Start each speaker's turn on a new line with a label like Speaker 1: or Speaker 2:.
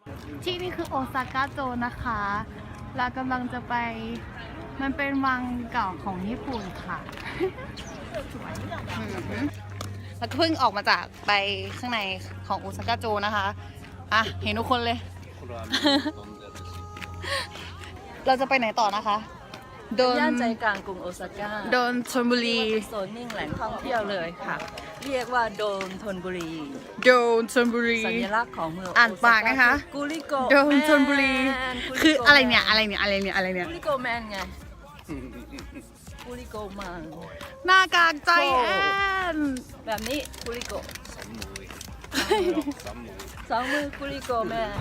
Speaker 1: ที่นี่คือโอซาก้าโจนะคะเรากำลังจะไปมันเป็นวังเก่าของญี่ปุ่นค่ะแล้วก็เพิ่งออกมาจากไปข้างในของโอซาก้าโจนะคะอ่ะเห็นทุกคนเลย เราจะไปไหนต่อนะคะโดน
Speaker 2: ย่านใจกลางกรุงโอซาก้า
Speaker 1: โดนชลบุรี
Speaker 2: เป็นโซนนิ่งแหล่งท่องเที่ยวเลยค่ะ เรียกว่าโดนธนบุรี
Speaker 1: โดนชลบุรี
Speaker 2: สัญลักษณ์ของเมือง
Speaker 1: อ่านปากนะคะ
Speaker 2: กุลิโก
Speaker 1: โดนชลบุรี
Speaker 2: แมน
Speaker 1: คืออะไรเนี่ยอะไรเนี่ยอะไรเนี่ยอะไรเนี่ย
Speaker 2: กุลิโกแมนไงกุลิโกมัง
Speaker 1: หน้ากากใจแอน
Speaker 2: แบบนี้กุลิโกสองมือกุลิโกแมน